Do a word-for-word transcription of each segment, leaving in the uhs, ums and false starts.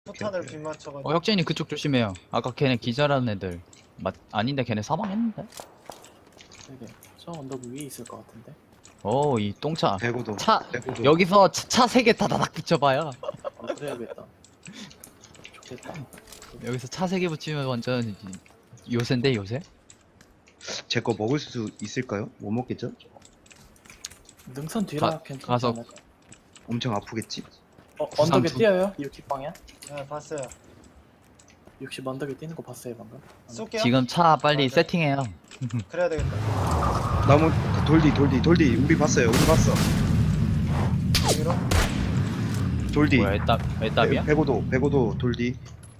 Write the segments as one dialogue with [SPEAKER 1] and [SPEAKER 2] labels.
[SPEAKER 1] 포탄을 빗 맞춰가지고.
[SPEAKER 2] 어 혁진이 그쪽 조심해요. 아까 걔네 기절한 애들 맞 아닌데 걔네 사망했는데?
[SPEAKER 3] 되게 저 언덕 위에 있을 것 같은데.
[SPEAKER 2] 어 이 똥차
[SPEAKER 4] 대구도.
[SPEAKER 2] 차
[SPEAKER 4] 대구도.
[SPEAKER 2] 여기서 차 세 개 다다닥 붙여봐요.
[SPEAKER 3] 어, 그래야겠다. 좋겠다.
[SPEAKER 2] 여기서 차 세 개 붙이면 완전 요새인데 요새?
[SPEAKER 4] 제 거 먹을 수 있을까요? 못 먹겠죠?
[SPEAKER 3] 능선 뒤라
[SPEAKER 2] 가-
[SPEAKER 3] 괜찮지
[SPEAKER 2] 가서-
[SPEAKER 3] 않을까?
[SPEAKER 4] 엄청 아프겠지?
[SPEAKER 3] 어, 언덕에
[SPEAKER 2] 두-
[SPEAKER 3] 뛰어요? 육십 방향?
[SPEAKER 1] 네, 봤어요.
[SPEAKER 3] 육십 언덕에 뛰는 거 봤어요 방금?
[SPEAKER 1] 쏠게요.
[SPEAKER 2] 지금 차 빨리
[SPEAKER 1] 아, 네.
[SPEAKER 2] 세팅해요.
[SPEAKER 1] 그래야 되겠다.
[SPEAKER 4] 나무 돌디 돌디 돌디 우리 봤어요. 우리 봤어.
[SPEAKER 1] 여기로.
[SPEAKER 4] 돌디.
[SPEAKER 2] 뭐야 애답 애답이야?
[SPEAKER 4] 백오도 백오도 돌디.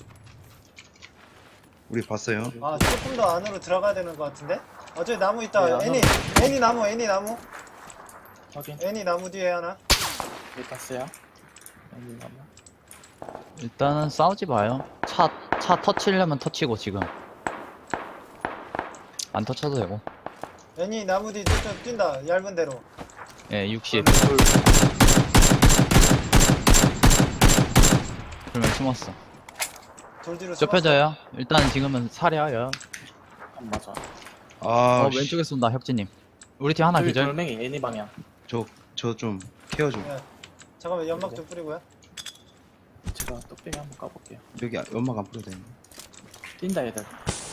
[SPEAKER 4] 우리 봤어요.
[SPEAKER 1] 아, 조금 더 안으로 들어가야 되는 것 같은데? 어, 저기 나무 있다.
[SPEAKER 3] 네, 안으로.
[SPEAKER 1] 애니, 애니 나무, 애니 나무.
[SPEAKER 3] 확인.
[SPEAKER 1] 애니 나무 뒤에 하나.
[SPEAKER 3] 네, 봤어요. 여기 가면.
[SPEAKER 2] 일단은 싸우지 마요. 차 차 터치려면 터치고 지금 안 터쳐도 되고.
[SPEAKER 1] 애니 나무 뒤 좀 뛴다. 얇은 대로.
[SPEAKER 2] 예 육십.
[SPEAKER 3] 둘.
[SPEAKER 2] 그러면 숨었어.
[SPEAKER 1] 돌 뒤로
[SPEAKER 2] 좁혀져요. 일단 지금은 사려요.
[SPEAKER 3] 안 맞아.
[SPEAKER 4] 아,
[SPEAKER 2] 어 왼쪽에 쏜다 혁진님. 우리 팀 하나
[SPEAKER 3] 저기
[SPEAKER 2] 기절.
[SPEAKER 3] 돌멩이 애니 방향.
[SPEAKER 4] 저저 좀 케어 좀.
[SPEAKER 1] 숨었어. 네. 잠깐만, 연막 좀 뿌리고요.
[SPEAKER 3] 제가 뚝배기 한번 까볼게요.
[SPEAKER 4] 여기 연막 안 뿌려도 되네.
[SPEAKER 3] 뛴다 얘들.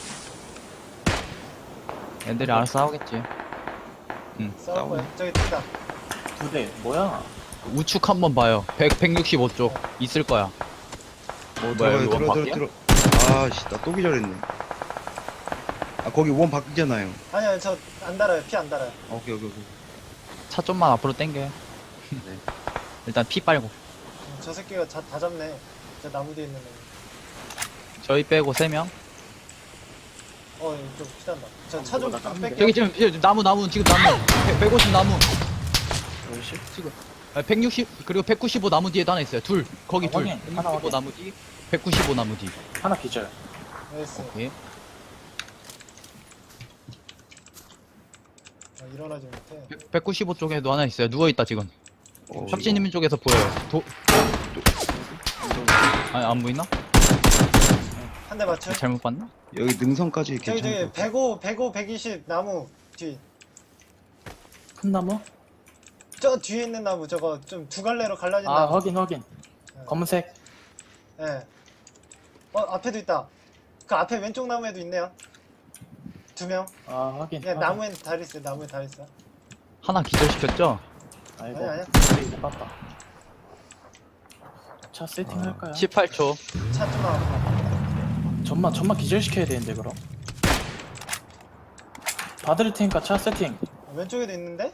[SPEAKER 2] 애들이 알아서 싸우겠지.
[SPEAKER 1] 싸울 거야. 저기 뛴다.
[SPEAKER 3] 두 대. 뭐야?
[SPEAKER 2] 우측 한번 봐요. 백, 백육십오 쪽 있을 거야. 뭐 뭐야
[SPEAKER 4] 들어가요,
[SPEAKER 2] 여기 원
[SPEAKER 4] 들어 들어
[SPEAKER 2] 밖이야?
[SPEAKER 4] 들어. 아씨 나 또 기절했네. 아 거기 원 바뀌잖아요.
[SPEAKER 1] 아니요, 저 안 달아요. 피 안 달아요.
[SPEAKER 4] 아, 오케이 오케이 오케이.
[SPEAKER 2] 차 좀만 앞으로 당겨.
[SPEAKER 4] 네.
[SPEAKER 2] 일단 피 빨고.
[SPEAKER 1] 음, 저 새끼가 자, 다 잡네. 저 나무 뒤에 있는 애.
[SPEAKER 2] 저희 빼고 세 명.
[SPEAKER 1] 어, 이거 좀 피단다. 저 차 좀
[SPEAKER 3] 뭐가 다 깠는데?
[SPEAKER 1] 뺄게요.
[SPEAKER 2] 저기 지금 피- 나무 나무 지금 나무. 백- 백오십 나무.
[SPEAKER 3] 열십?
[SPEAKER 2] 지금. 아, 백육십 그리고 백구십오 나무 뒤에도 하나 있어요. 둘 거기
[SPEAKER 3] 아,
[SPEAKER 2] 둘.
[SPEAKER 3] 확인. 하나
[SPEAKER 2] 백육십오
[SPEAKER 3] 확인.
[SPEAKER 2] 나무 뒤. 백구십오 나무 뒤.
[SPEAKER 3] 하나 기절.
[SPEAKER 1] 나이스.
[SPEAKER 2] 오케이.
[SPEAKER 1] 아, 일어나지 못해.
[SPEAKER 2] 백- 백구십오 쪽에도 하나 있어요. 누워 있다 지금.
[SPEAKER 4] 어,
[SPEAKER 2] 혁진님 쪽에서 보여요. 도 아니 안 보이나?
[SPEAKER 1] 한 대 맞춰.
[SPEAKER 2] 잘못 봤나?
[SPEAKER 4] 이거- 여기 능선까지
[SPEAKER 1] 저기
[SPEAKER 4] 괜찮을
[SPEAKER 1] 저기
[SPEAKER 4] 것 같아.
[SPEAKER 1] 백오, 백오, 백이십 나무 뒤.
[SPEAKER 3] 큰 나무?
[SPEAKER 1] 저 뒤에 있는 나무 저거 좀 두 갈래로 갈라진
[SPEAKER 3] 아
[SPEAKER 1] 나무.
[SPEAKER 3] 확인 확인.
[SPEAKER 1] 예.
[SPEAKER 3] 검은색.
[SPEAKER 1] 예. 어, 앞에도 있다. 그 앞에 왼쪽 나무에도 있네요. 두 명.
[SPEAKER 3] 아 확인.
[SPEAKER 1] 예,
[SPEAKER 3] 확인.
[SPEAKER 1] 나무엔 다 있어. 나무에 다 있어.
[SPEAKER 2] 하나 기절시켰죠?
[SPEAKER 3] 아이고.
[SPEAKER 1] 아니, 아니야.
[SPEAKER 3] 뚝배기 못 봤다. 차 세팅 할까요?
[SPEAKER 2] 십팔 초.
[SPEAKER 1] 차 좀 나와.
[SPEAKER 3] 전만 전만 기절시켜야 되는데 그럼. 받을 테니까 차 세팅.
[SPEAKER 1] 왼쪽에도 있는데?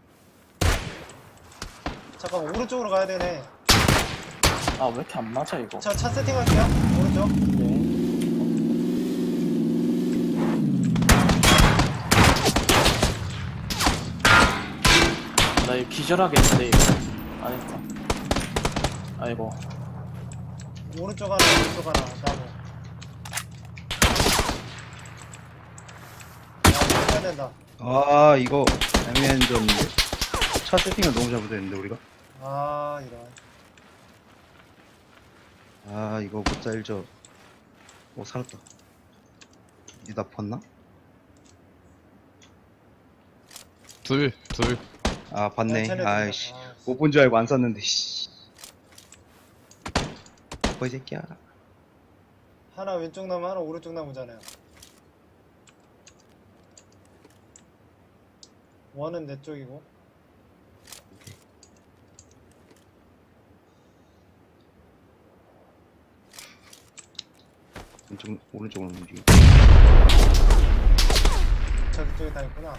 [SPEAKER 1] 잠깐 오른쪽으로 가야 되네.
[SPEAKER 3] 아 왜 이렇게 안 맞아 이거?
[SPEAKER 1] 저 차 세팅할게요. 오른쪽.
[SPEAKER 3] 네. 나 이거 기절하겠는데 이거. 아니다. 아이고.
[SPEAKER 1] 오른쪽 하나, 왼쪽 하나. 나무. 야, 이거 해야 된다.
[SPEAKER 4] 아 이거 애매한 점인데. 차 세팅을 너무 잘못했는데 우리가.
[SPEAKER 1] 아, 이런.
[SPEAKER 4] 아 이거 못 살죠. 오 살았다. 이제 나 봤나?
[SPEAKER 2] 둘, 둘.
[SPEAKER 4] 아 봤네.
[SPEAKER 1] 쟤네들이다.
[SPEAKER 4] 아이씨
[SPEAKER 1] 아,
[SPEAKER 4] 못 본 줄 알고 안 쐈는데. 씨. 뭐이 새끼야.
[SPEAKER 1] 하나 왼쪽 나무, 하나 오른쪽 나무잖아요. 원은 내 쪽이고.
[SPEAKER 4] 왼쪽 오른쪽으로 움직여.
[SPEAKER 1] 저기 쪽에 다 있구나.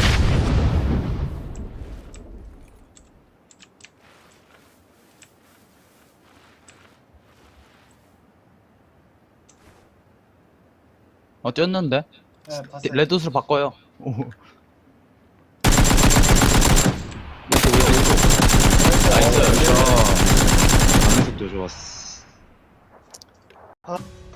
[SPEAKER 2] 어 뛰었는데?
[SPEAKER 1] 네, 봤어요.
[SPEAKER 2] 레드스로 바꿔요. 오.
[SPEAKER 4] 나이스. 반응 속도 좋았어.
[SPEAKER 1] 아.